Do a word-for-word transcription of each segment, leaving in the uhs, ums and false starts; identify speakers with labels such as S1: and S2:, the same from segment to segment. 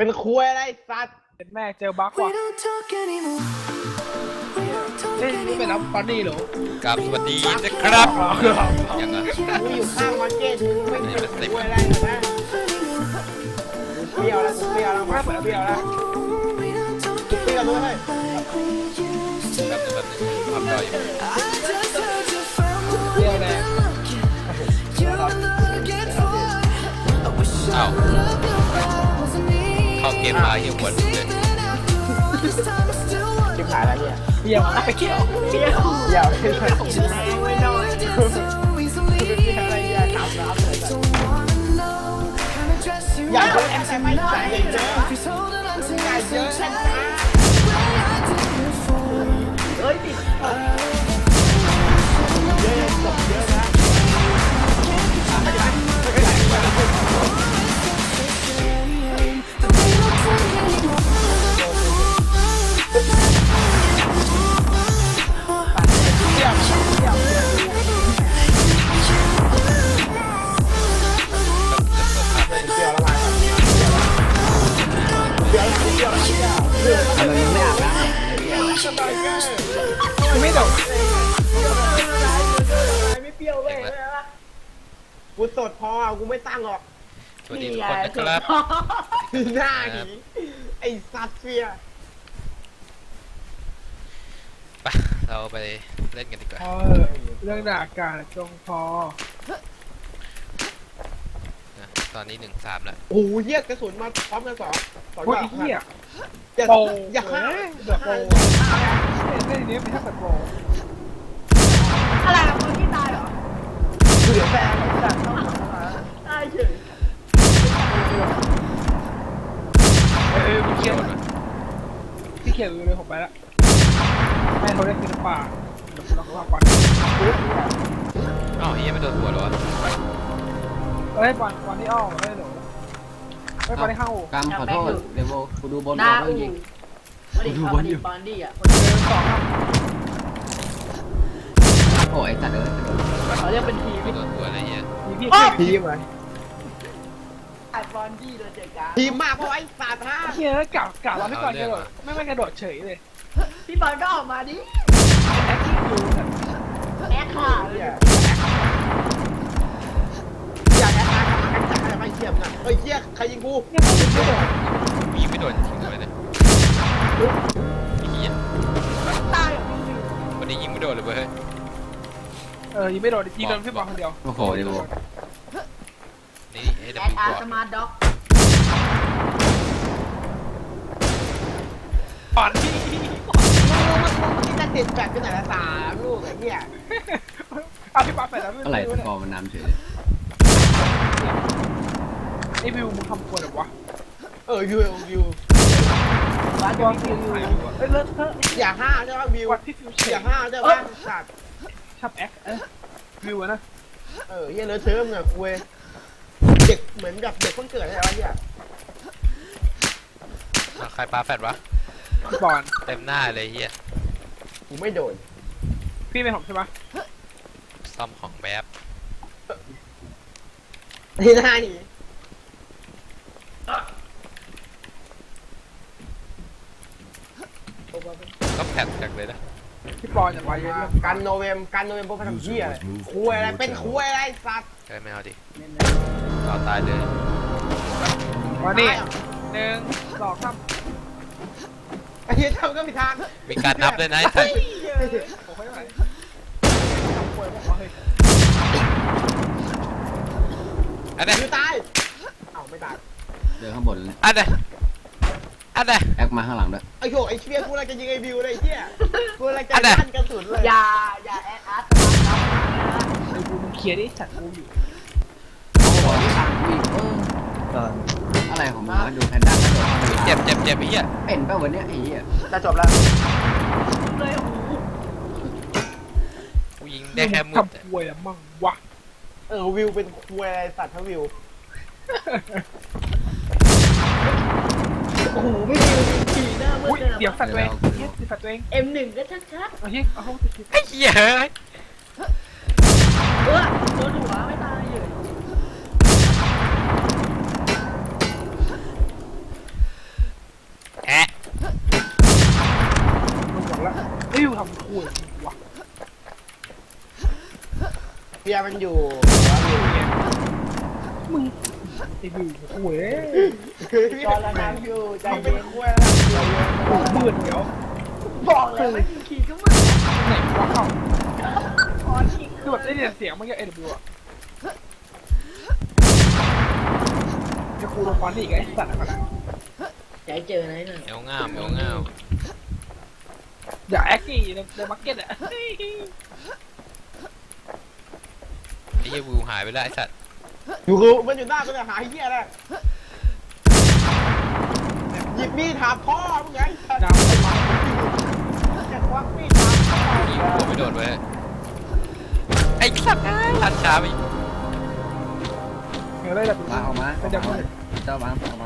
S1: เป็นคุยอะไรสัตว์
S2: เป็นแม่เจอบั๊กว่ะเล่นนี่เป็นน้ำปานี่เหรอ
S3: กับสวัสดีนะครับยังไง
S1: กูอยู่ข้างมาร์เก็ตมึงไม่เป็นคุยอะไรเหรอนะกูเปรี้ยวแล้วกูเปรี้ยวแล้วมาเปรี้ยวแล้วกูเปรี้ยวด้วย
S3: แบบแบบทำได้อยู่
S2: เรียวแรง
S3: อ้าวเข้าเกมมาเหี้ยหัวเลย
S1: ชิบหายแล้วเนี่ย
S2: เรียวไปเกี่ยวเกี่ยว
S1: เปรี้ยวไม่ใช่ไม่น้อยเป็นอะไรอยากทำน้ำเลยอยากเยอะแต่ไม่ได้อยากเยอะอยากเยอะฉันนะเฮ้ยติดเยอะเยอะนะ
S4: ทำไมมึงไม่อาบน้ำ
S1: ไม่โดดไม่เปรี้ยวเลยกูสดพอกูไม่ตั้งหรอก
S3: สวัสดีทุกคนนะครับ
S1: หน้าหนีไอ้ซัดเฟีย
S3: ไปเราไปเล่นกันดีกว่า
S2: พอเรื่องด่าการจงพอ
S3: ตอนนี้หนึ่งสามแล้ว
S1: โอ้ยเหี้ยกระสุนมาพร้อมกันสองสอง
S2: โอ้ยเหี้ย
S1: อย่า
S2: โป
S1: อย่าฆ่า
S2: แบบโปเล่นนี้ไม่ใช่แบบโป
S5: อะไรอะคนที่ตายเหรอ
S1: เหลือแฟนของจัดต้อง
S5: ตายเฉย
S2: เออพี่เขียวพี่เขียวเลยผมไปละแม่เขาเล่นศิลปะเดี๋ยวเราเข้าก่อน
S3: อ้าวเฮียไม่โดนหัวหรอ
S2: เอ้ยบอลบอลที่อ้อมเล่นหนูเฮ้ยบอลที่เข้าก
S4: ำขอโทษเดี๋ยวกูดูบน
S5: หน้า
S4: เรื่
S5: อู
S4: องยิง
S5: มาดิเอามาดิบอลดี้อ่ะคน
S2: เดินสองครับ
S4: โอ้ยตัดเลย
S5: เขาเรียกเป็นทีม
S3: ไม่โดนหัวอะไรเงี้ย
S2: มีพี่
S1: ทีมไหม
S5: ไอ้บอลดี้โดนเจ๊ก้า
S1: ทีมมากเพราะไอ้สัตว์ฮะ
S2: เฮียกะกะเราไม่ก่อนกระโดดไม่ไม่กระโดดเฉยเลย
S5: พี่บอลก็ออกมาดิ
S2: แอคทีฟดูแบบ
S5: แอคค่ะ
S1: อยากแอดมาทำไมจัดอะไรไม่เทียมนะเฮ้ยเหี้ยใครยิงกู
S2: เนี่ยไม่ถึงไม่โดด
S3: ยิงไม่โดนทิ้งเลยเนี่ยเฮีย
S5: ตายอ่ะพี่ลิว
S3: วันนี้ยิงไม่โดนเลยเว้ย
S2: เออยิงไม่โดดยิงโดนพี่บอลคนเดียว
S4: โอ้โหเดี๋ยว
S3: นี่เอเด
S5: แอ
S3: บิ
S5: ด
S3: ว
S5: อา
S3: ก่
S5: ร์
S3: อน
S5: สมาร์ทด็อก
S2: บอลที่
S1: ที่จะติดแบตกันไหนละสามลูกไอ้เหี้ย
S2: เอาพี่บอลไปแล้วไม่
S4: อะไร
S2: รู้
S4: ส
S2: เนี่ย
S4: กอร์มันนำเฉย
S2: ไอ้วิวมึงทำควรหรอวะ
S1: เออวิววิว
S5: วัด
S2: ตัว
S5: พี่
S2: ฟิ
S5: ลิ
S2: ว
S5: ว
S2: เอ้ยเลิศเถอะ
S1: อย่าห้าได้ป่ะวิว
S2: วัดพี่ฟิวเฉ
S1: อย ย่าห้าได้ป่ะสัตว์
S2: ชอบแอคเอ้ยวิวอะนะ
S1: เออเหี้ยเลอะเทอะมึงอะคุยเด็กเหมือนกับเด็กเพิ่งเกิดอะไรวะเหี้ย
S3: ใครปาแฟดวะ
S2: พี่บอล
S3: เต็มหน้าเลยเฮีย
S1: กูไม่โดน
S2: พี่เป็นผมใช่ปะ
S3: ซ่อมของแบบ
S1: ที่หน้านี่
S3: ก็แพดจากเลยนะ
S2: พี่บอลอย่าไปเยอะ
S1: กันโนเวมกันโนเวมพวกพันธุ์เหี้ยอะไรคุยอะไรเป็นคุยอะไรสัตว์
S3: ใช่ไม่เอาดิเอาตายเลย
S2: มานี่หนึ่งสองสาม
S1: ไอ้เหี้ยทำก็มีทาง
S3: มีการนับด้วยนะไอ้สัส
S2: โอ้ยไม่ไหวทำควรบอกว่าเฮ้ย
S3: อันไหน
S1: อยู่ตายเอ้าไม่ตาย
S4: เดินข้างบนเลย
S3: อันไหนอันไหน
S4: แอคมาข้างหลังด้วย
S1: ไอ้โหไอ้เชี่ยกูอะไรจะยิงไอ้วิวเลยไอ้เหี้ยกูอะไรจะลั่นกระสุนเลย
S5: อย่าอย่าแอดอาร์สมาร์ทด็อกนะ
S2: ไอ้กูมึงเคลียร์ดิจัดกูอยู่
S4: โอ้โหนี่ทางวิ่งเอออะไรของมึงวะดูแพนด้ากระโดดเข้าไป
S3: เจ็บเจ็บเจ็บไอ้เหี้ย
S4: เป็นป่ะวันเนี้ยไอ้เหี้ย
S1: จะจบแล้ว
S5: เลยโอ้โห
S3: กูยิงได้แค่มุด
S2: ทำควรละมั่งวะ
S1: เออวิวเป็นคุยอะไรสัตว์ทั้งวิว
S5: โอ้โหไม่ดีขี่หน้ามื
S2: อุ้
S5: ด
S2: ย
S5: เลย
S2: เดี๋ยวสัตว์ตัวเองเฮ้ยสัตว์ตัวเอง
S5: เอ็มหนึ่งก็ชัด
S2: เอาเฮ้ยเอาเข้าไป
S3: ไอ้เหี้ย
S5: ๆเออโดนหัวไม่ตายเลย
S1: เบียร์มันอยู่
S2: มึงไอ้บิวโอ้ย
S1: จอระนาอยู่ใจเย็นคุยแล้ว
S2: โอ้มืดเดี๋ยว
S5: บอกแล้วไม่มีขี่ก็มัน
S2: ไหนวะเอ้า
S5: ขอขี่
S2: คือแบบได้ยินเสียงเมื่อกี้เอ็นบิวอะจะคูลงฟันอีกไอ้สัตว์อะไร
S5: ใจเจอไหนน่ะ
S3: เอวง่ามเอวง่าม
S2: อย่าแอคกี้ในในมาร์เก็ตอะ
S3: ไอ้เหี้ยวิวหายไปแล้วไอ้สัตว์
S1: อยู่คือมันอยู่หน้าตัวเนี่ยหาเหี้ยอะไรหยิบมีดถามพ่อมึงไง
S2: ดาวไปมา
S1: จะควักมีดถามพ่อ
S3: ยิงหัวไม่โดนไว้ไอ้สัตว์ลันช้าไป
S2: เงยเลยแบบ
S4: มาออกมา
S2: มันจะมืด
S4: เจ้ามาออกมา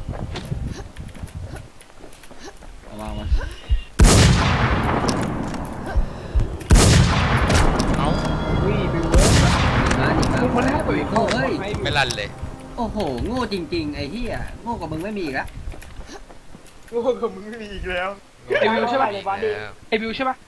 S4: ออกมาออกมา
S3: เอ้า
S2: วิ่งบิวเว้ย
S4: มาดิมา
S2: มึงคนแรกตัวเอง
S4: โง่เอ้ย
S3: ไม่ลั่นเลย
S4: โอ้โหโง่จริงๆไอ้เหี้ยโง่กว่ามึงไม่มีอีกแล้ว
S1: โง่กับมึงไม่มีอีกแล้ว
S2: ไอ้บิวใช่ป่ะ
S3: แล้ว
S2: ไอ้บิวใช่ป่ะ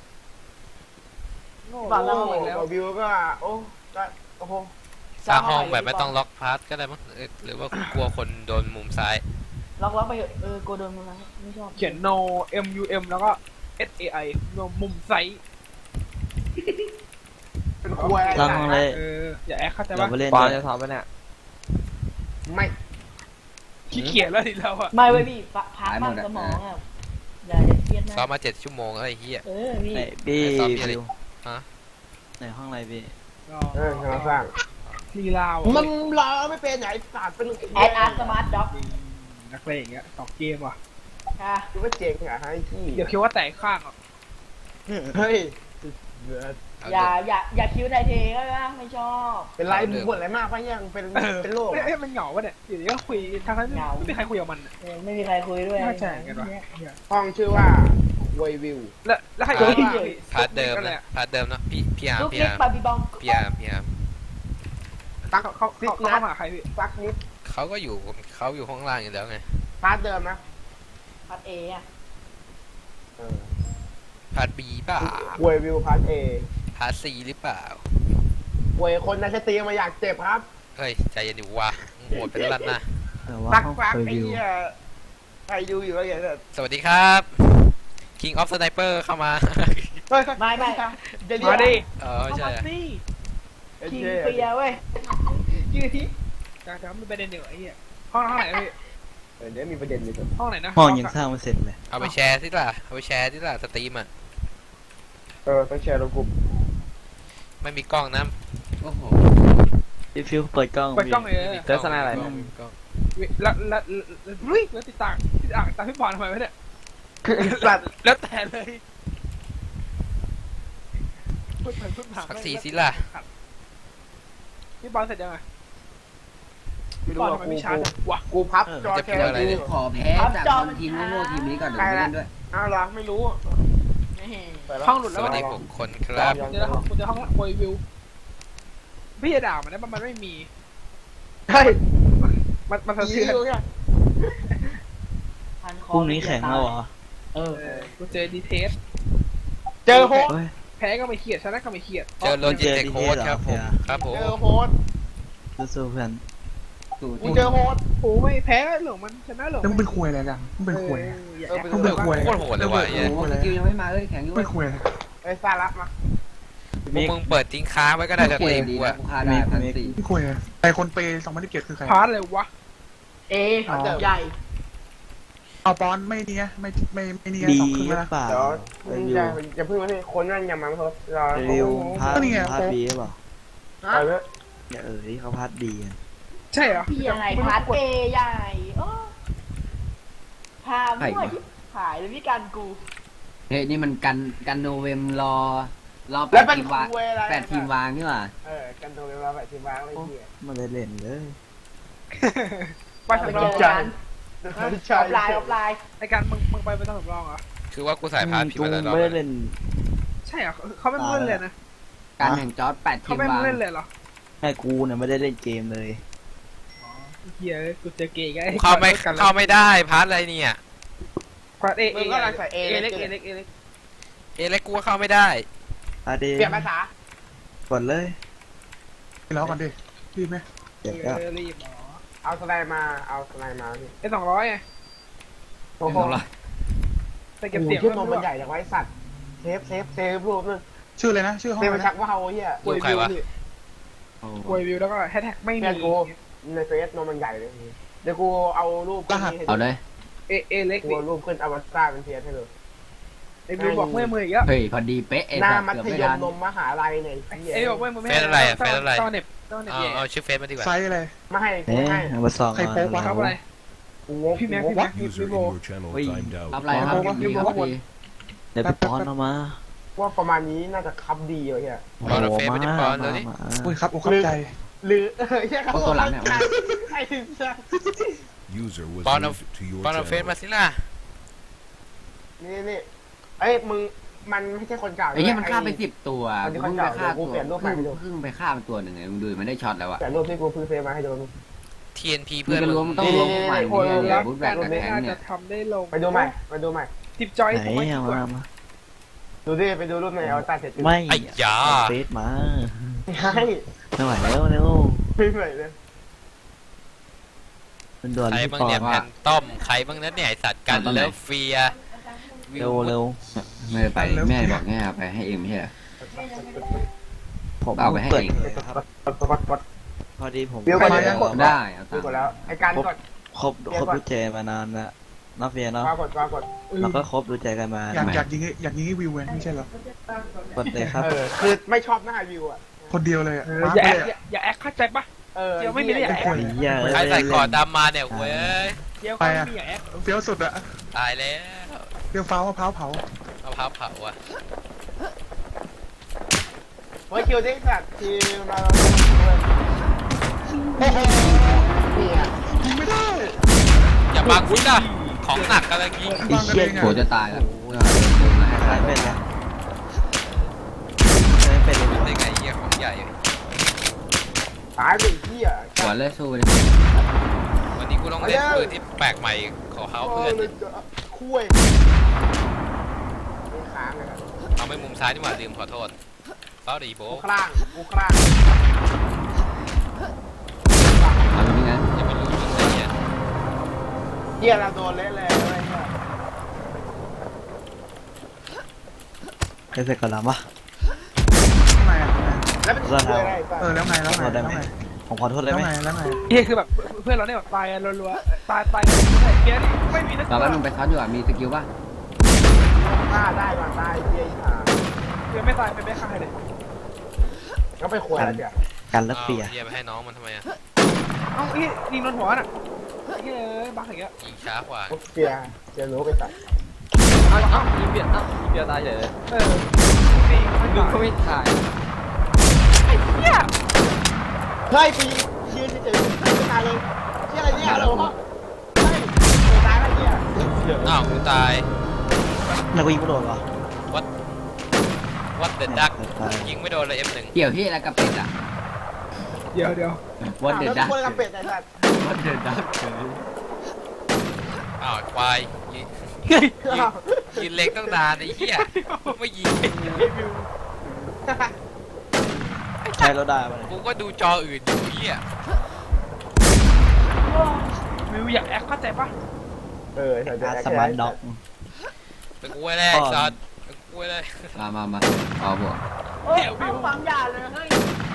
S1: โง่กับวิวก็โอ้ก็โอ้โห
S3: สร้างห้องแบบไม่ต้องล็อกพาร์ทก็ได้มั้งเอ้ยหรือว่ากลัวคนโดนมุมซ้าย
S5: ล็อกล็อกไปเถอะเออโกโดนมึงนะไม่ชอบ
S2: เขียน no m u m แล้วก็ s a i มุมไซส์
S1: เป็นคุยอะไร
S6: ลองเลย
S2: เอออย่าแอคเข้าใจ
S6: เรา
S2: ป่ะ
S6: ไปเล่น
S7: ปอน
S6: เย
S7: จะ
S6: อะ
S7: ทำปะเนี่ย
S1: ไม่
S2: ขี้เกียจแล้วทีเราอะ
S5: ไม่เว้ยพี่พักบ้างสมองอ่ะอย่าอย่าเครียดนะ
S3: ซ้อมมาเจ็ดชั่วโมงแล้วไอ้เหี้ย
S5: เออพี่
S6: ไหนพี่
S3: ไหนซ้อมพี่อะไร
S6: ฟิว
S3: ฮะ
S6: ในห้องอะไรพี่
S1: เออเราสร้าง
S2: ลีลาว
S1: มันรอไม่เป็นไหนศาสตร์เป็น
S5: แอดอาร์สมาร์ทด็อก
S2: นักเลงอย่างเงี้ยต่อเกมว่ะ
S5: ค่ะ
S1: คิดว่าเจ๋งเหรอฮะไอ้ที่
S2: เดี๋ยวคิดว่าแตกข้างอ่ะ
S1: เฮ้ย
S3: เอา
S5: อย่า
S3: เรื่อง
S5: อย่าอย่าคิ้วไทยเทก็ได้ไม่ชอบ
S1: เป็นไรมึงบ่นอะไรมากปะยังเป็นเป็นโรค
S2: เอ้ยมันเหงาวะเนี่ยอยู่ดีก็คุยทางนั้นไม่มีใครคุยกับมัน
S5: เออไม่มีใครคุยด้วย
S2: ไม่เข้าใจกันวะ
S1: ห้องชื่อว่าเวยวิว
S2: แล้วแล้วใคร
S1: เฮ้ย
S3: พาร์ทเดิมนะพาร์ทเดิมนะพี่พี่อาร์
S5: ลูก
S3: พี่
S5: เล็ก
S3: อาร์
S5: บาร์บีบอง
S3: พี่อาร์พี่อาร์
S1: ตัก
S2: เขาเขาเขาเขามาใครพี่
S1: ตักนิด
S3: เขาก็อยู่เขาอยู่ข้างล่างอยู่แล้วไง
S1: พาร์ทเดิมนะ
S5: พัดเออะ
S1: เออ
S3: พาร์ทบีเปล่า
S1: เวยวิวพาร์ทเอ
S3: พาร์ทซีหรือเปล่า
S1: เวยคนในสตรีมมาอยากเจ็บครับ
S3: เฮ้ยใจเย็นดิวะโหดเป็นลั่นนะ
S6: แต่ว่า
S1: ตัก
S6: ห้อง
S1: ฟัก
S6: เคย
S1: ไอ้
S6: วิว
S1: เหี้ยใครดูอยู่แล้วอย่างเงี้ย
S3: สวัสดีครับ King of Sniper เข้ามา
S1: เฮ้ย
S5: ไม่ไม่
S1: เดี๋ยว
S2: มาดิ
S3: เออ
S2: เข้า
S3: ใช่
S2: มาสิ
S5: คิงเฟียเว้ย
S2: ยืดที่จะจะไม่ประเด็นเดี๋ยวไอ้เหี้ยห้องห้องไหนพี่
S1: เดี๋ยวมีประเด็นอยู่
S2: ห้องไหนนะ
S6: ห้องยังสร้างไม่เสร็จเลย
S3: เอาไปแชร์สิล่ะเอาไปแชร์สิล่ะสตรีมอ่ะ
S1: เออต้องแชร์ลงกลุ่ม
S3: ไม่มีกล้องนะ
S4: โอ้โห
S6: พี่ฟิวเปิดกล้อง
S2: เปิดกล้องเลย
S3: ไม่มี
S7: เจอสนามอะไร
S3: ม่มีกล้อง
S2: แล้วแล้ววิ่งแล้วติดต่างติดอ่างตามพี่บอลทำไมวะเนี่ย
S1: สัตว์
S2: แล้วแต่เลยพูดไปพูดมา
S3: สักสี่สิล่ะ
S2: พี่บอลเสร็จยังไง
S1: ไม่
S2: พี่
S1: รู้
S2: บอล
S1: ว่า
S2: ทำไม
S1: กู
S2: ไม่ชาร์จวะ
S1: กูพับจอแชร์
S3: อะไรเนี่ย
S4: ขอแพ้จากบอลทีมโง่ๆทีมนี้ก่อนเดี๋ยวไม่เล่นด้วย
S1: อ้าวเหรอไม่รู้
S2: ห้องหลุด
S3: ส
S2: แล้ว
S3: วัสดี
S2: วะ
S3: หกคนครับ
S2: เดี๋ยวห้องเดี๋ยวห้องละโวยวิวพี่จะด่ามันนะมันไม่มี
S1: เฮ้ย
S2: มันมันสะ
S1: ยี
S2: เทือน
S1: อยู่เนี่ย
S5: พันค
S6: พรุ่งนี้แข่งแล้วเหรอ
S5: เออ
S2: เออกูเจอดีเทส
S1: เจอโฮส
S6: เฮ้ย
S2: แพ้ก็ไม่เครียดชนะก็ไม่เครียด
S3: เจอโลจิเทคโค้ดครับผมครับผม
S1: เจอโฮส
S6: สู้ๆเพื่อน
S4: สูตร
S1: กูเจอโฮส
S2: โอ้ไม่แพ้เหลืองมันชนะเหลือง
S7: แล้วมึงเป็นควยอะไรกันมึงเป็นควย
S2: อย่า
S1: เออ
S2: แอค
S1: เป็น
S7: มึงเป็นควย
S3: โคตรโหดเลยว่ะไอ้เหี้ย
S4: โอ้โหสกิลยังไม่มาเลยแข็งอยู่
S7: เป็นควยอะไร
S1: ไอ้ซาระมา
S3: พวกมึงเปิดทิ้งค้างไว้ก็ได้ส
S4: เก
S3: ตรี
S4: ม
S3: ม
S4: ดี
S3: กู
S4: นะ
S3: อะ
S4: กูคาได้พันสี่
S7: เป็นควยอะไรแต่คนเปย์สองพันสิบเจ็ดคือใคร
S2: พาร์ทเลยวะ
S5: เอใหญ่
S7: เอาปอนไม่เนี่ยไม่ไม่ไม่เนี่ย
S6: ดี
S7: สองครึ่ง
S6: หรื
S7: แล้ว
S6: อเปล่า
S1: เดี๋ยว
S6: วิว
S1: อย่าอย่าเพิ่งมาที่คนนั่นอย่ามาโฮสรอ
S6: วิวพาร์ท
S7: ก็นี่ไง
S6: พาร์ทบีหรือเปล่า
S5: ฮะ
S1: ไปเถอะ
S6: เนี่ยเออที่เขาพาร์ทบีกัน
S2: ใช่เหรอ
S5: พี่อะไรพัดเอใหญ่โอ้พามั่วหายเลยพี่กันกู
S4: เฮ้ยนี่มันกันกันโนเวมรอรอแป
S1: แล้ว
S4: ด
S1: เป็น
S4: ทีมวาง
S1: คุยอะไร
S4: แปดทีมวางนี่หว่า
S1: เออกันโดนเวลาแบบทีมวางอะไรเงี้ย
S6: ไมาได้เล่นเลย
S2: ไปสำรอง
S5: เจอกัน
S1: ใช่
S5: ออฟไลน์ออฟไลน์
S2: ไอการมึงมึงไปเป็นสำรองเหรอ
S3: คือว่ากูสายพาร์ทผิด
S6: กู
S3: มาแล้วรอบ
S6: ไม่ได้
S3: นึง
S6: เล่น
S2: ใช่เหรอเขาไม่เล่นเลยนะ
S4: การแห่งจอร์ดแปดที
S2: เขา
S4: ม
S2: ไม่
S4: วาง
S2: เล่นเลยเหรอ
S6: แค่กูเนี่ยไม่ได้เล่นเกมเลย
S2: เฮียกูเจอเกย์ไง
S3: เข้าไม่เข้าไม่ได้พาร์ทอะไรเนี่ย
S2: พาร์ทเอเอ
S1: มึงก็รังใส่เอ
S2: เอ
S1: เล็
S2: เล็
S1: ก
S2: ก
S1: เอ
S2: เอ
S1: เล็
S2: เล็
S1: ก
S2: กเอเล็ก
S3: เอเล็กกูก็เข้าไม่ได้
S6: พาร์ทเอ
S1: เปลี่ยนภาษาก
S6: ดเลย
S7: ไปแล้วกันดิรีบไหม
S6: เจ็บ
S2: เอ
S6: แล้ว
S2: อรีบหมอ
S1: เอาสไลด์มาเอาสไลด์มาพี่
S2: ไอ้สองร้อยไง
S1: โอ้โห
S2: แต่
S1: เก็
S2: เก็
S1: บบ เสี
S2: เสี
S1: ย
S2: ย
S1: ง
S2: ง
S1: ขึ้นนมมันใหญ่จากไว้สัตว์เซฟเซฟเซฟรูปนึง
S7: ชื่ออะไรนะชื่อห้อง
S1: เซฟ
S7: อะไร
S1: มันชั
S7: นะ
S1: กว่าวเฮีย
S2: ป่วย
S3: ใคร
S2: วิว
S3: วะ
S2: นี่
S4: โอ้
S2: ป่วยวิวแล้วก็แฮชแท็กไม่
S1: เพื่
S2: มี
S1: อนกูในเฟซนมมันใหญ่เลยเดี๋ยวกูเอารูปขึ้นนี้ให้
S4: เอาเลย
S2: เอเอเล็ก
S1: กู
S2: ดิ
S1: เอารูปขึ้นอวตารเป็นเทียให้ดู
S2: ไอ้วิวบอกเมื่อยมืออีกแล้ว
S4: เฮ้ยพอดีเป๊ะไอ้
S1: หน้า
S4: สัตว์
S1: มั
S4: เกือบ
S1: ธ
S4: ไม่
S1: ยม
S4: ทัน
S1: นมมหาลัยเนี่ยไอ้เหี้ย
S2: ไอ้บอกเมื่อยมือไม่
S3: เฟซอะไรอะเฟซอะไร
S2: ต้อเน็บต้อเน็บ
S3: เอา
S2: แย่
S3: เอาชื่อเฟซมาดีกว่า
S7: ไซส์อะไร
S1: ไม่ให้กู
S6: เอ๊ะ
S1: ไม่ให้
S6: เอามาส่อง
S7: ใครโป๊กวะ
S2: ครับอะไร
S1: กูงง
S2: พี่แม็ก
S1: กู
S2: พี่
S1: งง
S2: แม็กพี่
S8: User
S2: พี่
S8: in
S2: โบ
S8: your channel
S6: Ui.
S8: timed out.
S4: รับอะไรครับดีครับดี
S6: เดี๋ยวไปป้อนเอามา
S1: ว่าประมาณนี้น่าจะคับดีวะเฮีย
S3: ปอนเอาเฟซมาดิปอนเดี๋ยวนี้
S6: มา
S7: อุ้ยครับโอ้ครับใจ
S1: หรือเออเฮียเขา
S4: โอ้ตัวหลังเนี่ย
S1: ไอ้สัส
S8: User was
S3: Pon of-
S8: moved to your
S3: ปอนเอาเฟซ
S8: channel.
S3: มาสิล่ะ
S1: นี่นี่เอ้ยมึงมันไม่ใช่คนเก่า
S4: ไอ้เนี่ยมันฆ่าไปสิบตัว
S1: มันที่
S4: เพิ่ง
S1: คน
S4: ไป
S1: เก่า
S4: ฆ่า
S1: กู
S4: ตัว
S1: เปลี่ยนรูปใหม่ให้ดู
S4: เพิ่งไปฆ่าไปตัวหนึ่งไงมึงดูมันได้ช็อตแล้วอะ
S1: แต่รูปที่กูเพิ่งเซฟมาให้ดู
S3: ที เอ็น พี
S4: เพื่
S3: เพื่
S4: อ
S3: อน น
S4: จะรู้ว่ามันต้องลงใหม่
S1: โอ้ย
S4: เนี่ยบูทแบกกับ
S2: ไม่
S4: แทง
S2: น่า
S4: เนี่
S2: จะ
S4: ย
S2: ทำได้ลง
S1: ไปดูใหม่ไปดูใหม่
S2: ทิปจอย
S6: ไหนเอามามา
S1: ดูดิไปดูรูปในอวตารเสร็จ
S6: ไม่
S3: ไอ้ยา
S6: เฟซมา
S1: ให้
S6: ไม่ไหวแล้วเร็ว
S1: ไม่ไหวเลย
S6: มันด่วน
S3: ใคร
S6: พี่
S3: บ้าง
S6: ปอ
S3: เนี่ย
S6: น
S3: แพนต้อมใครบ้างนั้นเนี่ยไอสัตว์กันแล้วเฟีย
S6: เร็วเร็ว
S4: ไม่ได้ไปแม่บอกแง่ไปให้เองไม่ใช่เหรอ
S6: ผม
S4: เอาไปให้
S6: เปิด
S4: เอง
S6: เลยครับ
S1: กดกดกด
S6: พอดีผม
S1: เดี๋ยว
S7: ไป
S1: ก่อน
S7: เลย
S1: นะ
S7: นะ
S4: ได้เอา
S1: ดู
S4: ตาม
S1: กดแล้วไอ้การกด
S6: ครบครบรู้ใจมานานละเนาะเฟียเนาะ
S1: วางกดวางกด
S6: เราก็ครบรู้ใจกันมา
S7: อยากอยากยิงให้อยากยิงให้วิวไงไม่ใช่เหรอก
S6: ดเลยครับ
S1: เออคือไม่ชอบหน้าวิวอ่ะ
S7: คนเดียวเลยอะ
S2: เออ
S7: มาร์ค
S2: อย่าแอ
S7: เล
S2: ค
S7: ย
S2: อย่าอย่าแอคเข้าใจปะ
S1: เออ
S2: เดี๋ยวไม่มีเรื่อง
S1: ไอ้
S7: คน
S6: เหี้ย
S3: ใครใส่คอดำมาเนี่ยเว้ย
S2: เดี๋ยวเขาไม่มีอย่าแอค
S7: เฟี้ยวสุดอะ
S3: ตายแล้ว
S7: เฟี้ยวฟ้าวมะพร้าวเผา
S3: เอาพับเผาอ่ะ
S1: เฮ้ยคิวที่สัตว์คิวเรา
S7: โอ้โห
S1: เนี่ย
S7: ยิงไม่ได้
S3: อย่าบังฟิล่ะของหนักกำลังยิง
S7: บังกันเองอะ
S4: โหจะตายแล้วเดินมาให้
S6: ใคร
S4: ตาย
S6: เป็นละไม่เป็นเลย
S3: ได้ไงเหี้ยของใหญ่
S1: ตายไปเหี้ย
S4: หัวเลยสู้เลย
S3: วันนี้กูต้องเล่นปืนที่แปลกใหม่ของเขาเพื่อน
S1: คุยไม่ค้างเลยครับ
S3: เอาไปมุมซ้ายดีกว่าลืมขอโทษเฝ้าดีโบ
S1: กูคลั่งกูคลั่ง
S4: เอาอย่างนี้นะ
S3: อย่าไปรู้ยิงเลยเนี่ย
S1: เหี้ยเราโดนเละเลยอะไรเงี้ย
S6: ใครเสร็จก่อนละวะ
S7: ทำไมอะ
S1: แล้วเป็นคุยอะไรป่ะ
S7: เออแล้วไงแล้ว
S6: ขอ
S7: ไง
S6: โทษได้
S7: แล้ว
S6: ไหม
S7: ไง
S6: ผมขอโทษได้
S7: แล้ว
S6: ไหม
S7: ไงแล้วไง
S2: เฮ้ยคือแบบเพื่อนเราเนี่ยแบบตายกันรัวๆตายตายกันเฟียนี่ไม่มีนัก
S4: ตอนแรกมึงไปช็อตอยู่อ่ะมีสกิลป่ะ
S1: ฆ่าได้ก่อนตายเหี้ยอีห่า
S2: เฟียไม่ตายไม่ไม่ฆ่าใครเลย
S1: ก็ไปคุยอะไรเดี๋ยว
S6: กันแล้ว
S3: เอา
S6: เฟีย
S3: เหี้ยไปให้น้องมันทำไมอ่ะ
S2: เอ้าเฮ้ยยิงโดนหัวน่ะเฮ้ยบ้าอย่างเงี้ย
S3: ยิงช้ากว่า
S1: เสียเสียรู้ไปตัด
S9: เอาเอายิงเบียดเอายิงเบียดตายเลย
S2: เออยิงไม่
S9: ดึง
S2: ตาย
S9: ก็ไม่ถ่าย
S2: ไอ้เหี้ย
S1: เฮ้ยปียืนเฉยๆไม่ตายเลยเชี่ยอะไรเนี่ยเราเฮ้ยตายแล้วเนี่ย
S3: อ้าวกูตาย
S6: แล้วกูยิงไม่โดนเหรอ
S3: วัดเด็ดดัก
S6: ตาย
S3: ยิงไม่โดนเลย เอฟ หนึ่ง
S4: เกี่ยวที่อะไรกับเป็ดอ่ะ
S2: เดี๋ยวเดี๋ยว
S4: วันเดือดดัก
S1: คนกับเป็ดไอ้สัตว์
S4: วันเดือดดัก
S3: อ้าวควายยิงยิงเล็กตั้งนานไอ้เหี้ยไม่ยิง
S6: ใช้แล้วได้ปะเนี่ย
S3: กูก็ดูจออื่นอยู่เหี้ย
S2: วิวอยากแอคเข้าใจปะ
S1: เออใส่
S6: อาร์ตสมาร์ทด็อก
S3: เป็นกูไว้แรกซอสเป็นกูไว้แรก
S4: มามามาเอาบวก
S5: โอ้ยเอาฟังอย่าเลยเฮ้ย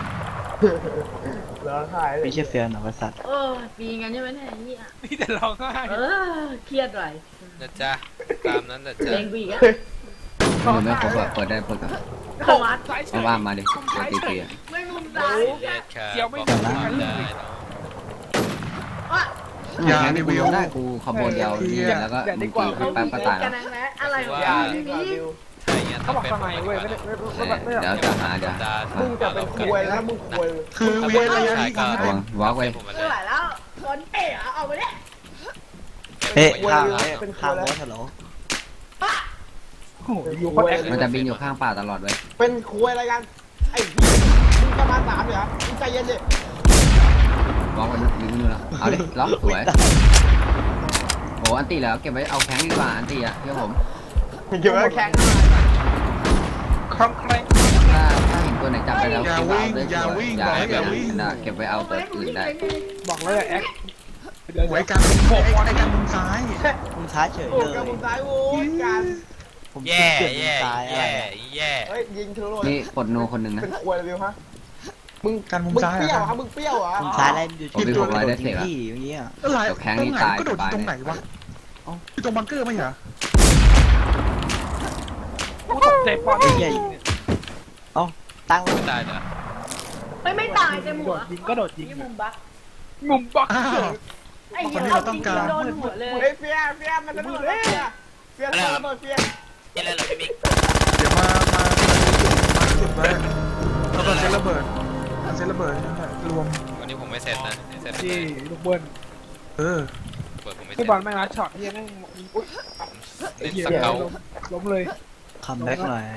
S1: ร้องไห้เลย
S6: ไม่ใช่เฟียหนอประสัตว์
S5: เออปีกันใช่ไหมเนี่ยไอ้เหี้ย
S2: นี่แต่ร้องไห้
S5: เออเครียดหน่อย
S3: นะจ๊ะตามนั้นนะจ๊ะ
S5: เล่นกูอีกอะ
S4: มันไม่ครบอ่ะเปิดได้เปิดก่อน
S5: สมาร์ท
S2: ซ้ายเฉ
S4: เอา
S2: ย
S4: ว่ามาดิเดี๋ยวตีเปีย
S5: ไม่มุมซ้าย
S3: เย็ดค่ะ
S2: เดี๋ยวไม่
S3: บอก
S2: ถึง
S3: ว่า
S2: กันเล
S3: ได้
S2: ย
S3: เนาะ
S5: ว่า
S7: อย่า
S4: แค่
S7: รี
S4: นี้
S7: วิ
S4: กู
S7: ว
S4: ได้กูขบวนเดียวนี่แล้วก็มึงตีไปแป๊บก็ตาย
S5: กั
S4: แล้
S5: น
S4: ว
S5: นะอะไรวะ
S1: อย่า
S5: ไม่
S1: ดีก
S5: มี
S1: ว่าวิว
S3: ใช่เงี้ย
S2: เขาบอกทำไมเว้ยไม่ได้ไม่ไม่ไม่ไม่
S4: เดี๋ยวจะหาเดี๋ยว
S1: มึงจะเป็นคุยแล้วมึงคุย
S7: คือเวียนระยะนี้ยิง
S4: ระวังวอล์กไว้
S3: ผมมา
S5: ไม่ไหวแล้วคนเป๋อะเอาไปเนี่ย
S6: เอ๊ะข้างแล้วข้างแล้วฮัลโหล
S2: โอ้โหอยู่คนแอค
S4: มันจะบินอยู่ข้างป่าตลอดเว้ย
S1: เป็นคุยอะไรกันไอ้พี่มึงจะมาสามเหรอมึงใจเย็นดิ
S4: วอล์กไว้นะยิงนู่นแล้วเอาดิล็อกสวยโอ้อันตีแล้วเก็บไว้เอาแข้งดีกว่าอันตีอ่ะเชื่อผม
S1: เกี่ยวกับแข่ง
S2: ครั้งแครง
S4: ถ้าถ้าเห็นตัวไหนจับไปแล้ว
S7: อย่า
S4: เก็บไว้
S7: วิ่ง
S4: เอาด้วย
S7: อย่าวิ่ง
S4: อย่า
S7: บอกให้
S4: ให้
S7: อย่า
S4: ไป
S7: วิ่ง
S4: นะเก็บไว้เอาตัวอื่นได้
S2: บอกแล้วอย่าแอคเดี๋ยว
S7: ไว้กันไอ้ไอ้กันมุมซ้าย
S6: มุมซ้ายเฉย
S1: โอ้
S6: เลย
S1: กับมุมซ้ายโว้ยกัน
S6: ผม
S3: แย่
S6: เปลี่ยนมุ
S3: แย่
S6: มซ้ายอะไร
S3: แย่
S6: อะ
S3: แย่
S1: เฮ้ยยิงทะลุ
S4: นี่ปลดโนคนหนึ่งนะ
S1: เป็นควยเลยวิวฮะมึง
S7: กันมุม
S1: มึง
S7: ซ้าย
S1: เปรี้ยว
S7: อะ
S1: ฮะมึงเปรี้ยวเหรอ
S6: มุมซ้ายอะไรอยู่
S4: ผมมีหกร้อยได้เสร็จ
S6: ที่
S4: แล้ว
S6: อย่างเงี้ย
S7: อะไร
S4: เดี๋ยวแข้ง
S7: ตร
S4: นี่
S7: งไหน
S4: ตาย
S7: ก็โดดอ
S4: ตาย
S7: ยู่ตรงไหนวะอยู่ตรงบังเกอร์ไม่เหรอ
S2: กูตกใจปอน
S6: เฮ้ยใหญ่เอ้าตั้ง
S3: ไม่ตายเหรอ
S5: ไม่ไม่ตายเต็ม
S2: โด
S5: หัว
S2: ดยิงก็โดดยิง
S5: นี่มุมบัก
S2: มุมบัก
S7: อ้าว
S5: ไอ้เหี้ยเอาจริงๆโดนหัวเลย
S1: เฮ้ยเฟียเฟียมันจะดูเลยเฟียเฟียระเบิดเฟีย
S3: เล่นอะไรเหรอพี่มิก
S7: เดี๋ยวมามามาจุดไว้แล้วก็เซตระเบิดเซตระเบิดนั่นแหละรวม
S3: วันนี้ผมไม่เสร็จนะเสร็จเล
S2: ที่
S3: ย
S2: ลูกเบิ้ล
S7: เออ
S3: เปิดผมไม่เสร็
S2: ที่
S3: จ
S2: บอลแม่งรัดช็อตที่แม่งอุ้ย
S3: เล่น
S2: เหี้ย
S3: สเกล
S2: ล้มล้มเลย
S6: คัมแบ็กหน่อย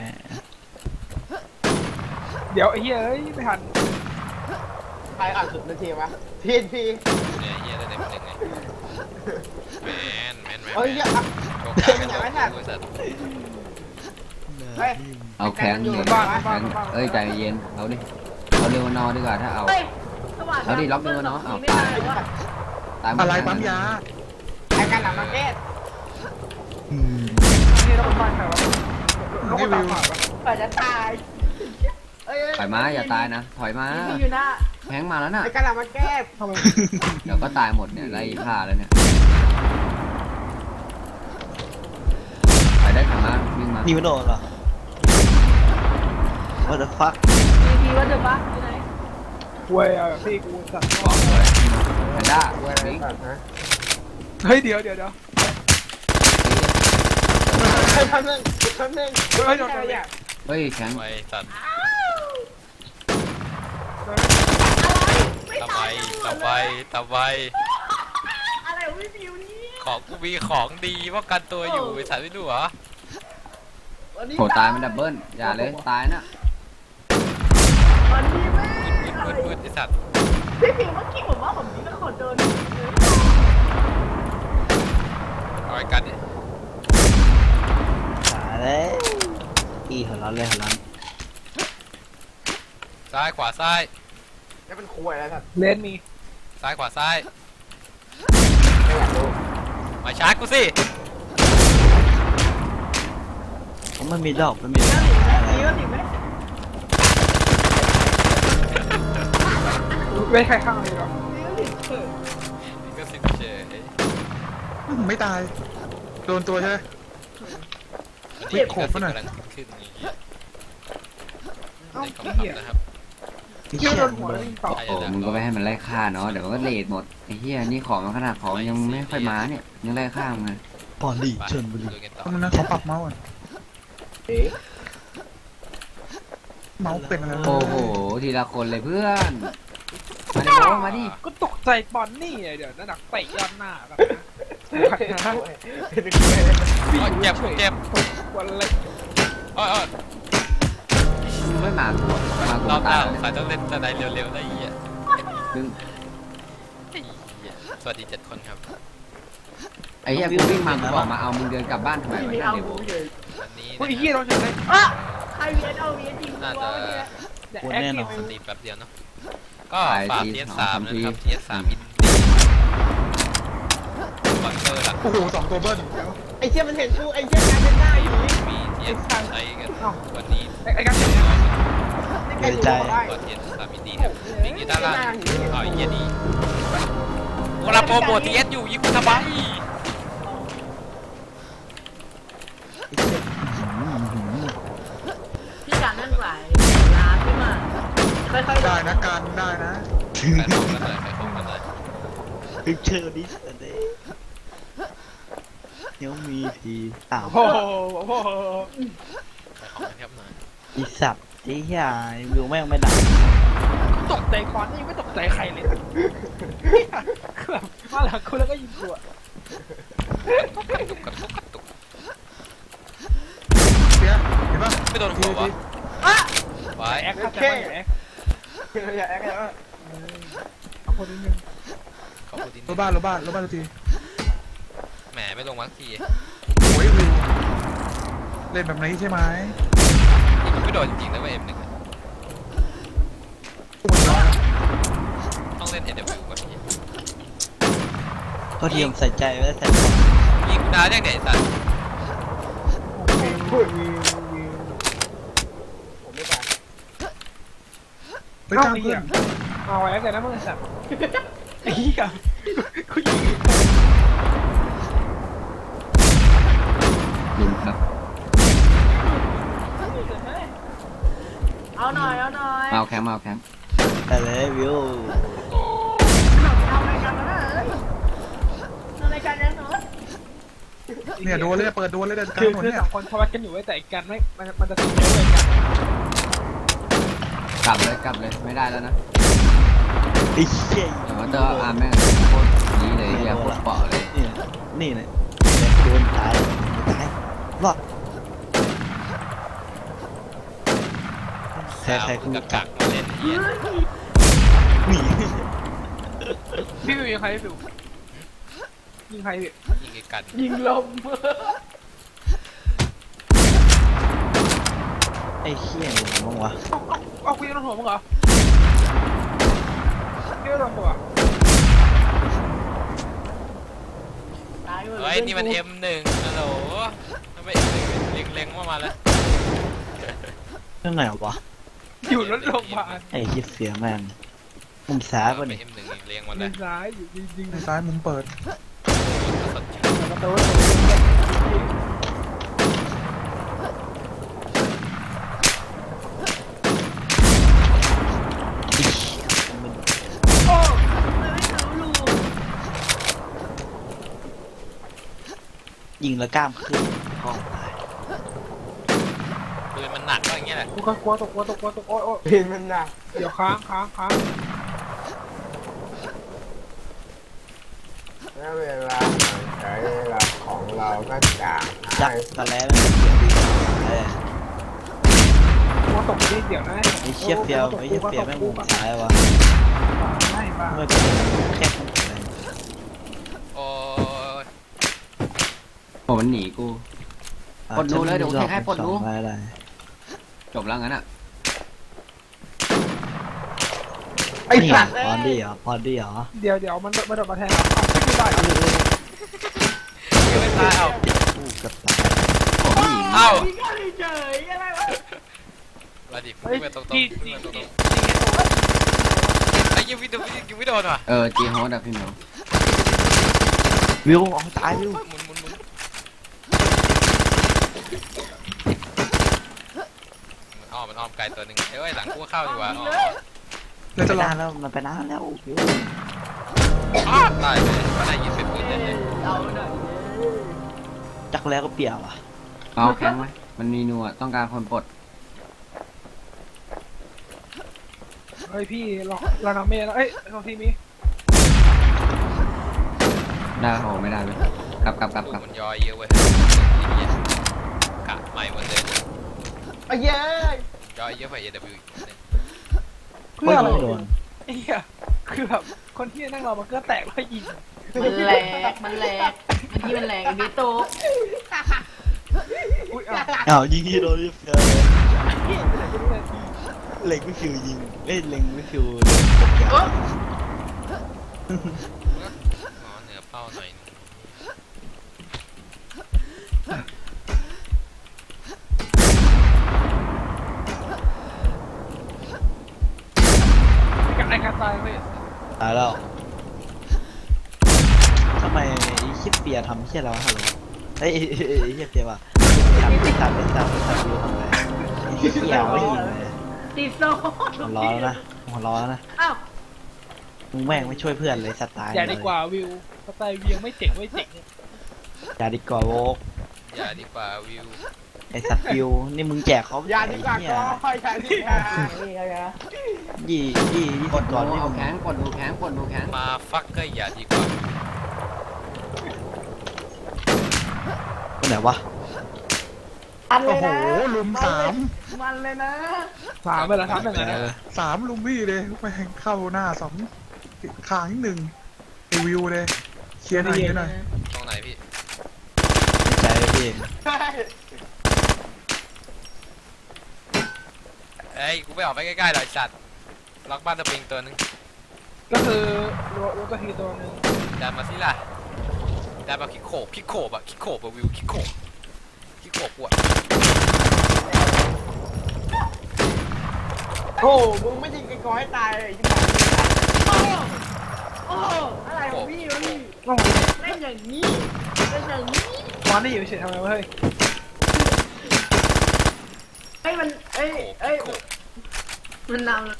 S2: เดี๋ยวไอ้เหี้ยเอ้ยไม่ทัน
S1: ใครอ่านสุดนาทีวะทีนพี
S3: เนี่ยเฮียได้เต็มหนึ่งไงแมนแมนแมน
S1: เฮ้ยอย่า
S3: โชว์กลางกันโชว์กลางบริษัท
S1: เฮ้ย
S4: เอาแข้งนี่แข้งเอ้ยใจเย็นเอาดิเอาเร็วนอดีกว่าถ้าเอา
S5: เฮ้ยสว่าง
S4: เอาดิล็อกเร็วเนาะเอา
S5: ไม่
S4: ตา
S5: ตาย ยว่ะ
S4: ตายหมด
S7: อะไรปั๊มยา
S1: ไอ้การหลังมาร์เก็ต
S7: อืม
S2: นี่ต้องบ้านใครวะต้องตามผ่านวะ
S5: กว่าจะตายเอ้ย
S4: ถอยมาอย่าตายนะถอยมา
S5: มีอยู่หน้า
S4: แข้งมาแล้วน่ะ
S1: ไอ้การหลังมาร์เก็ต
S2: ทำไม
S4: เดี๋ยวก็ตายหมดเนี่ยไล่ฆ่าแล้วเนี่ยไปได้ถอยมาวิ่งมา
S6: นิวโดนเหรอ What the fuck
S5: มีทีว่าเดอะบักอยู่ไหน
S2: เว้ยเอาพี่กูสั่ง
S4: บอกเลยแพนด้าวิ่ง
S2: เฮ้ยเดี๋ยวเดี๋ยวเดี๋ยว
S1: ไอ้พันหนึ่งพันหนึ่ง
S2: เฮ้ยโดน
S1: อะไร
S2: โดน
S1: เนี่ย
S4: เฮ้ยแข้ง
S3: ไว้สัตว์
S5: ไม่
S3: ตะ
S5: ตา
S3: ไบ
S5: ย
S3: ตะไบตะไบ
S5: อะไรของพี่ฟิวนี่
S3: ของกูมีของดีป้องกันตัวอยู่ไอ้สัตว์ไม่รู้เหรอ
S1: วันนี้
S4: โหตายมันดับเบิ้ลอย่าเลยตายน่ะ
S5: วันนี้แม่
S3: มืดมืดมืดไอ้สัตว์
S5: พี่ฟิวเมื่อกี้ผมว่าผมนี่เป็นคนโดน
S3: เอาไอ้กันดิ
S6: สายเลยอีหัวร้อนเลยหัวร้อน
S3: ซ้ายขวาซ้าย
S1: จะเป็นควยแล้วครับ
S2: เลนมี
S3: ซ้ายขวาซ้าย
S1: ไม่อยากรู้
S3: มาชาร์จกูสิ
S6: ผมมันมีดอกมันมี
S5: แล้วหนิไหมมีแล้วหนิไหม
S2: เว้ยใครข้างเลยหรอ
S5: มีแล้วหนิเออ
S3: นี่ก็สิเฉย
S7: ไม่ตายโดนตัวใช่ไหม
S3: อันนี้ก็สิกำลังขึ้นอย่างเงี้ยในคำถามนะครับ
S6: พี่
S2: เหี้ย
S6: เชี่ย
S2: โดนหัวแล้วยิงต่อ
S4: โอ้มึงก็ไม่ให้มันไล่ฆ่าเนาะเดี๋ยวมันก็เลทหมดไอ้เหี้ยนี่ของมันขนาดของยังไม่ค่อยมาเนี่ยยังไล่ฆ่ามึงเลย
S6: ปอนดีเชิญบุรี
S3: ดูกันต่อ
S7: ทำนะเขาปรับเมาส์ก่อนเมาส์เป็นอะไร
S4: โอ้โหทีละคนเลยเพื่อนมาดิโอ้มาดิ
S2: ก็ตกใจบอลนี่ไงเดี๋ยวนั่นหนักเตะยอดหน้าแบบนะ
S1: เป็นควยเลย
S3: โอ้ยเจ็บเจ็บ
S2: วันเล็ก
S3: โอ้ยโอ้ย
S4: มึงไม่มากูมากู
S3: รอบห
S4: ตา
S3: น้าย สายต้องเล่นสไนเร็วๆได้อีอ่ะ
S4: ซึ่ง
S3: ไอ้เหี้ยสวัสดีเจ็ดคนครับ
S4: ไอ้เหี้ยกูวิ่งมากูบอกมาเอามึงเดินกลับบ้านทำไมวะ
S5: มี
S4: เนี่ย
S5: เอา
S4: เดี๋ยว
S5: หูเลย
S3: วันนี้
S2: เฮ้ย
S3: นะ
S2: เฮีย
S3: ค
S2: โด
S3: รับ
S2: นเฉยเลย
S5: อ่ะใครเวียนเอาเวียนจริง
S3: น่า
S5: ตัว
S3: จะ
S5: เนี่ย
S2: แต่แอคทีฟ
S3: สตรีมแป๊บเดียวเนาะก็ฝากเทียสามนะครับเทียสามอินดี้บังเกอร์หลัก
S7: โอ้โหสองตัวเบิ้ล
S1: ไอ้เชี่ยมันเห็นกูไอ้เชี่ยการเป็นหน้าอยู่นี่
S3: มีเทียสใช้กันวันนี้
S2: ไอ้ไอ้กัน
S1: ใกล้ๆได้
S3: ก็เทียสามอินดี้ครับมีกีตาร์ล่างอ๋อไอ้เหี้ยนี่กูรับโปรโมททีเอสอยู่ยิงกูทำไม
S5: พี่การนั่นไหวร้านขึ้นมาค่อยๆ
S7: ได้นะการได้นะ
S3: ไปของกันเลยไปของกันเลย
S6: พิกเชอร์ดิสเดย์ยังมีทีอ้าว
S2: โอ้โหโอ้โห
S3: ไปของกันครับหน่อย
S6: อีสัตว์ไอ้เหี้ยวิวแม่งไม่ดัง
S2: ตกใจคอนนี่ยังไม่ตกใจใครเลยคือแบบมาหลังคุณแล้วก็ยิงตัว
S3: กระตุกกระตุกกระตุก
S7: เสียเห็นปะ
S3: ไม่โดนหัววะไว้
S2: แอคเข้าใจว่าอย่าแอค
S1: อย่าแอคอย่าแอค
S2: เอาคนนิดนึง
S3: ขอบคุณที่
S7: รถบ้านรถบ้านรถบ้านที
S3: แหมไม่ลงวัคที
S7: โอ้ยวิวเล่นแบบนี้ใช่ไหม
S3: นี่มันไม่โดนจริงๆนะว่าเอ็มหนึ่งต้องเล่น เอ ดับเบิลยู ก่อนพี่
S6: ก็ทีมใส่ใจไม่ได้ใส่ใจ
S3: ยิงกูดาวยังไงสัตว์
S2: วิววิววิว
S1: ผมไม่ตาย
S7: ไปกลางเพื่อน
S2: เอาไว้แล้วกันนะมึงสัตว์ไอ้เหี้ยกูยิง
S4: ลุมครับ
S5: เอาหน่อยเอาหน่อย
S4: มาเอาแคมป์มาเอาแคมป์
S6: แต่เลยวิว
S5: เอารายการมาเอ้ยเอารายการยังหนู
S7: เนี่ยโดนเลยเปิดโดนเลยเดินกลา
S2: คื
S7: ง
S2: อ
S7: ถนน
S2: คือ
S7: เนี่ย
S2: สองคนเขาวัดกันอยู่ไว้แต่อีกกันไม่มันมันจะติดเยอะเลยกัน
S4: กลับเลยกลับเลยไม่ได้แล้วนะ
S6: ไอ้เชี่ย
S4: แต่ว่าเตอร์อาร์แม่งโคตรดีเลยเฮียโคตรเปาะเลย
S6: นี่นี่เนี่ยโดนตายตายรอดใครใคร
S3: กู
S6: คุณ
S3: กักกักมาเล่นเฮีย
S6: หนี
S2: พี่วิวยิงใครพี่วิวยิงใครพี่
S3: ยิงไอ้กัน
S5: ยิงลม
S6: ไอ้เชี่ยอยู่มั้งวะ
S2: เอาคุยกันหัวมึงเหรอพี่โดนตัว
S5: ตายหมด
S3: เฮ้ยนี่มัน เอ็ม หนึ่งฮัลโหลทำไม เอ็ม หนึ่ง เล็งเล็งมามาแล้ว
S6: เรื่องไหนวะ
S2: อยู่รถโรงพยาบาล
S6: ไอ้คิดเสียแม่งมุมซ้ายป่ะ
S3: ไป
S6: นี่
S3: เอ็ม หนึ่งเล็งมา
S2: ยิ
S3: แล้ว
S2: งซ้ายอยู่ยิงยิง
S7: ในซ้ายมุมเปิด
S2: ประตู
S6: ไอ้เชี่ยมัน
S5: โอ้ไม่รู้ลู
S6: ยิงแล้วกล้ามขึ้นห้องตาย
S3: ปืนมันหนักก็อย่างเงี้ยแหละ
S2: กูก็กลัวตกกลัวตกกลัวตกโอ้ยโอ้ย
S1: เห็นมันหนัก
S2: เดี๋ยวค้างค้างค้าง
S1: แล้วเวลาใช้เวลาของเราก็จาง
S6: จักตะแล้วมันเสียดีเออก
S2: ลัวตกนิดเดี๋ยวนะ
S6: ไอ้เชี่ยเฟียวไอ้เชี่ยเฟียวแม่งมุมซ้ายวะ
S2: ไม่บ้า
S6: ทำไมเป็นแค่คนอะไร
S3: โอ้ย
S4: โอ้มันหนีกู ปลดรูเลยเดี๋ยวกูเทคให้ปลดรู
S6: สองอะไร
S4: จบแล้วงั้นอ่ะ
S2: ไอ้สัตว์
S6: พอดีเหรอพอดีเหรอ
S2: เดี๋ยวเดี๋ยวมันมันโดดมาแทนเราไม่คือได้
S3: ยังไม่ตายเอ้า
S6: กูเกับตาย
S4: โอ้ไม่หนี
S3: เอ้า
S5: ยิงกันเฉยอะไรวะ
S3: มาดิ
S2: เฮ้ย
S3: ไปตรงๆ
S2: จี
S3: ขึ้
S2: จี
S3: นมาตรง
S2: จี
S3: ๆไอ้ยังไม่โดนยังไม่โดนว่ะ
S4: เออจีโฮสอะพี่เหมียว
S6: วิวเอาตายวิว
S3: หมุนหมุนหมุนมันอ้อมมันอ้อมไกลตัวหนึ่งเอ้ยหลังกูเข้าดีกว่าอ๋อ
S7: แล้วจะ
S6: ไป
S7: ลอง
S6: นานแล้วมันไปนานแล้ววิว
S3: อ้าวตายเลยก็ได้ยินเป็นปืนเลย
S5: เอาหน่อย
S6: จักแล้วก็เปียกว่ะ
S4: เอาแคมป์ไหมมันมีนัวต้องการคนปลด
S2: เฮ้ยพี่เราเราทำเมย์แล้วเอ้ยเราทีมี
S4: ได้โอ้ไม่ได้เลยกลับกลับกลับ
S3: ลู
S4: กลั
S3: ก
S4: บ
S3: มันย่อยเยอะเว้ยกะใหม่หมดเลย
S1: ไอ้เย้ย
S3: ย่อยเยอะกว่า เอ ดับเบิลยู อีกเนี่ย
S2: เพื่ออะไร
S6: ไม่โดน
S2: ไอ้เหี้ยคือแบบคนที่นั่งเรามันก็แตกแล้วยิง
S5: มันแหลกมันแหลกมันที่มันแหลกไอ้บิ๊กโต
S2: อุ้ยอ่ะ
S6: อ้าวยิงที่โดนที่เฟียวเล็งไม่ฟิวยิงเอ้ยเล็งไม่ฟิว
S3: อ๋อเหนือเป้าหน่อยนึง
S2: ไอ้การตายเว้ย
S6: ตายแล้วทำไมไอ้คิดเปียทำเชี่ยเราฮัลโหลเฮ้ยไอ้เชี่ยเปียว่ะทำไม่ทำไม่ทำไม่ทำวิวทำไงไอ้เชี่ยไม่ยิงเลย
S5: ติดโซ่
S6: หัวร้อนแล้วนะหัวร้อนแล้วนะ
S5: อ้าว
S6: มึงแม่งไม่ช่วยเพื่อนเลยสไตล์
S2: อย่าดีกว่าวิวสไตล์วิวไม่เจ๋งไม่เจ๋ง
S6: อย่าดีกว่าโวก
S3: อย่าดีกว่าวิว
S6: ไอสัตว์ฟิวนี่มึงแจกเขา
S1: อย่าดีกว่า
S6: ไอ้
S1: ก็
S6: เหี้ย
S1: อย่าดีกว่า
S5: นี่อะไรนะ
S6: ยี่ยี่ยี่
S4: ก
S6: สิ
S4: ด
S6: บ
S4: ดู
S6: ก่อนนี่
S4: เอา
S6: มึง
S4: แข้งกดดูแข้งกดดูแข้ง
S3: มาฟักก็อย่าดีกว่า
S6: คนไหนวะ
S5: อันเล
S7: โอ้
S5: ย
S7: โห
S5: นะ
S7: ลุมสาม
S5: มันเลยนะ
S2: สามไปแล้วครับหนึ่งนะ
S7: สามลุมพี่เลยไปเข้าหน้าสองขางอีกหนึ่งไอวิวเลยเคลียร์หน่อยเคลียร์หน่อย
S3: ตรงไหนพี่
S6: ในใจพี่
S3: เอ้ยกูไม่ออกไปใกล้ๆหรอกไอ้สัตว์ล็อกบ้านสปริงตัวนึง
S2: ก็คือรถรถตัวทีตัวหนึง
S3: ดันมาสิล่ะดันมาคิกโขบคิกโขบอะคิกโขบอะวิวคิกโขบคิกโขบปวด
S1: โอ้มึงไม่ยิงไอ้กอให้ตายเลยที่ไหนโอ้อะไรของพี่วะนี่
S2: ต้อง
S1: เล่นอย่างนี้เล่นอย่างนี้
S2: ตอนนี้อยู่เฉยทำไมวะเฮ้ย
S1: ไอ้มันเอ้ย
S3: โขบ
S1: เอ้
S3: คิ
S1: ย
S3: กโขบ
S1: มันนำ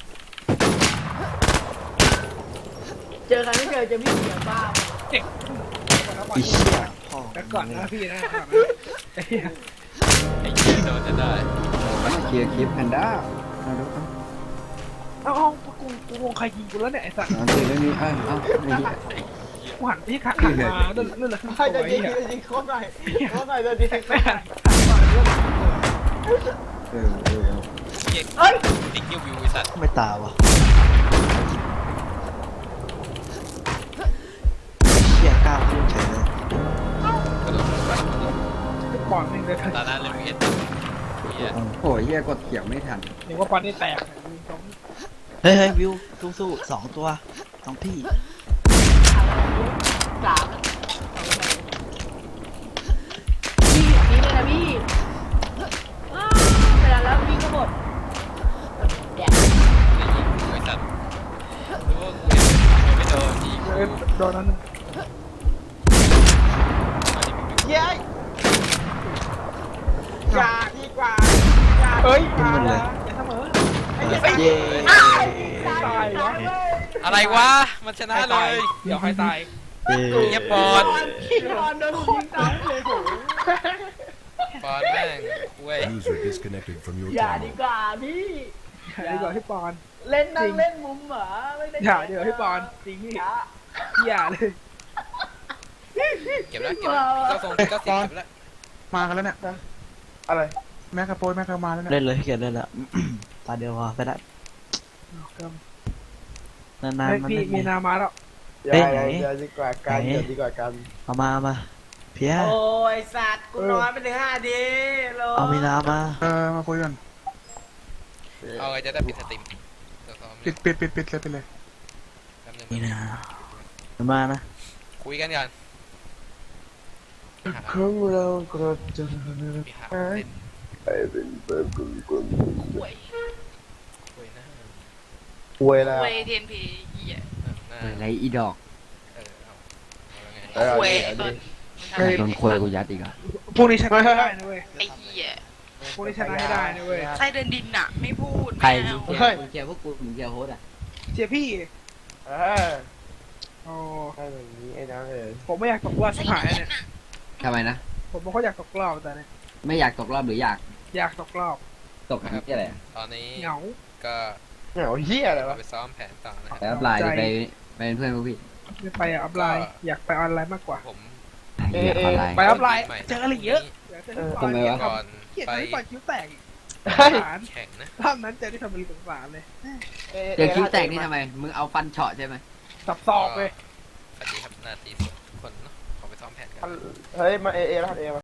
S1: เจอกันไม่เจอจะพี่เสียบ้า
S2: เจ๋งก่อนนะ
S6: ไอ้เหี้ยพ่อ
S2: แล้วก่อนนะพี่นะก่อนนะไอ้เหี้ย
S3: ไอ้เหี้ยโดนจะได้
S4: เคลียร์คลิปแพนด้าเอาดูเอา
S2: เอ้าเอ้ากูกูงงใครยิงกูแล้วเนี่ยไอ้สัตว์
S4: อันตีไม่มีเอ้ยเอาไอ้เหี้ย
S2: กูหันไปที่ขาหันมาเลื่อนเลื่อนเลยขึ้น
S1: ใคร
S2: ตัว
S1: จะ
S2: ไอ้
S1: ยิง
S2: เหี้ย
S1: จะยิงโคตรหน่อยโคตรหน่อยจะยิง
S2: ไม่หันหันมาเลื่อนขึ้นตัว
S4: เออเออ
S3: เหี้ย
S1: เอ้ย
S3: ติ๊กเหี้ยวิวไอ้สัตว์
S6: ไม่ตาวะเหี้ยกล้าพูดเฉยเลย
S3: กระโดดกระโดดกระโดด
S2: ปอนนึงเลย
S3: ตาหน้าเล่นวีเอสเหี้ย
S4: โอ้ยเหี้ยกดเขียวไม่ทัน
S2: เดี๋ยวว่าปอนนี่แตกเนี่ยมีสอง
S6: เฮ้ยเฮ้ยวิวสู้ๆสองตัวสองพี่
S5: สามพี่นี่เลยนะพี่อ้าวเวลาแล้วพี่ก็หมดแดด
S3: ได้ยิงกูไอ้สัตว์รู้ว่ากูเห็นไม่โดนยิง
S2: เอ้ยโดนนั้นหนึ่ง
S1: เย้ยอย่าดีกว่าอย่า
S2: เอ้ย
S6: ขึ้นมันเลย
S2: อย่าเสมอ
S6: เออเย้
S2: ตายวะ
S3: อะไรวะมันชนะเลย
S2: เดี๋ยวให้ตาย
S6: เย้
S3: เงียบปอน
S1: พี่บอลโดนยิงตายเลยโห
S3: ปอนแม่งเว้ย
S8: User disconnected from your
S5: อย่าดี
S8: channel.
S5: กว่าพี่
S2: อย่าดีกว่าพี่ปอน
S1: เล่นนั่งเล่นมุมเหรอไม่ได้
S2: อย่าดีกว่าพี่ปอนจริงพี่อย่าเลย
S3: เก็บแล้วเก็บแล้วก็ส่งก็สิบเก็บแล้ว
S7: มากันแล้วเนี่ย
S1: อะไร
S7: แม็กกาโปยแม็กกามาแล้วเนี่ย
S6: เล่นเลยเกียรเล่นละตาเดียวพอไปได้นาน
S2: เฮ้ย
S6: ๆมัน
S2: พี่
S6: เล่น
S2: มีนามาแล้ว
S1: อย่าอย่าอย่าดีกว่ากันอย่าดีกว่ากัน
S6: เอามาเอามาเพีย
S1: โอ้ยสัตว์กูนอนไปถึงห้าทีโล
S6: เอามีนามา
S7: เออมาคุยกัน
S3: เอาไงจะได้ปิดสตรีมเดี๋ยวซ้อม
S7: ปิดปิดปิดปิดเลยไปเลย
S3: แป๊บนึง
S6: มีนาเอามานะ
S3: คุยกันก่อน
S1: ของเราก็จะ
S3: มีหาเล่น
S1: ไปเป็นเปิดกุญกุญ
S3: คุยนะ
S1: ป่วยแล้ว
S10: เวทีเอ็นพีเหี้ย
S4: อะไรอีดอก
S3: เออเอาเอาไง
S1: เอา
S10: เว
S1: ดิเอา
S10: ตอ
S1: ดิ
S10: น
S4: ไอ้โดนควยกูยัดอีกอ่ะ
S2: พรุ่งนี้ชนะให้ได้นะเว้ย
S10: ไอ้เหี้ย
S2: พรุ่งนี้ชนะให้ได้นะเว้ย
S10: ไส้เดินดินน่ะ ไม่พูด
S4: ใคร
S10: ไม่
S4: มึ
S10: เอา
S4: งเคลียร์มึงเคลียร์พวกกูมึงเคลียร์โฮสอ่ะ
S2: เชียร์พี่
S1: เออ
S2: โอ้
S1: ให้แบบนี้ไอ้น้องเอ๋ย
S2: ผมไม่อยากตกรอบชิบหายเนี่ย
S4: ทำไมนะ
S2: ผมบอกเขาอยากตกรอบแต่เนี่ย
S4: ไม่อยากตกรอบหรืออยาก
S2: อยากตกรอบ
S4: ตกที่อะไรอะ
S3: ตอนนี้
S2: เหงา
S3: ก็
S1: เหงาเหี้ยอะไรวะ
S3: ไปซ้อมแผนต่อนะค
S4: ไป
S3: รับ
S4: อัพไลน์ไปไปเป็นเพื่อนพวกพี่
S2: ไม่ไปอะอัพไลน์อยากไปออนไลน์มากกว่า
S3: ผม
S4: เหี้ยออนไลน์
S2: ไปอัพไลน์เจออะไรเยอะอยากเจอพี่ปอน
S4: ทำไมวะ
S3: ก่อน
S2: เขียน
S3: ไป
S2: ให้ปอนคิ้วแตกอีก
S1: เฮ้ย
S2: สงสาร
S3: แข่งนะ
S2: ภาพนั้นเจอที่ทำเป็นสงสารเลย
S4: เจอคิ้วแตกนี่ทำไม มึงเอาฟันเฉาะใช่ไหม
S2: สับศอกเลย
S3: สวัสดีครับนาทีทุกคนเนาะขอไปซ้อมแผนกัน
S1: เฮ้ยมาเอเอแล้วเอมา